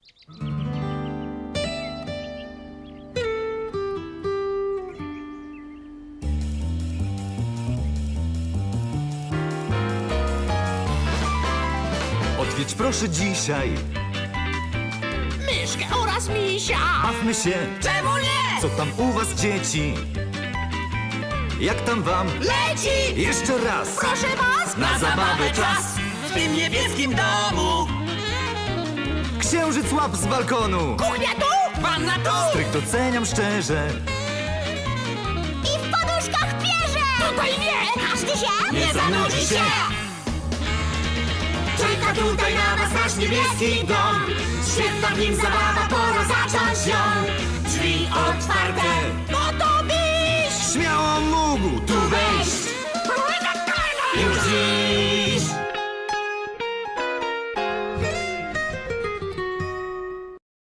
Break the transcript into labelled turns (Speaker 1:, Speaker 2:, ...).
Speaker 1: Odwiedź proszę dzisiaj.
Speaker 2: Myszkę oraz misia.
Speaker 1: Bawmy się.
Speaker 2: Czemu nie?
Speaker 1: Co tam u was, dzieci? Jak tam wam?
Speaker 2: Leci!
Speaker 1: Jeszcze raz.
Speaker 2: Proszę was!
Speaker 1: Na zabawę czas.
Speaker 2: W tym niebieskim domu.
Speaker 1: Księżyc łap z balkonu.
Speaker 2: Kuchnia tu! Wanna tu!
Speaker 1: Stryk doceniam szczerze.
Speaker 3: I w poduszkach pierze!
Speaker 2: Tutaj nie!
Speaker 3: Każdy się
Speaker 2: Nie zanudzi się! Czeka tutaj na was nasz niebieski dom. Świetna w nim zabawa, pora zacząć ją. Drzwi otwarte, gotowi!
Speaker 1: Śmiało mógł. Tu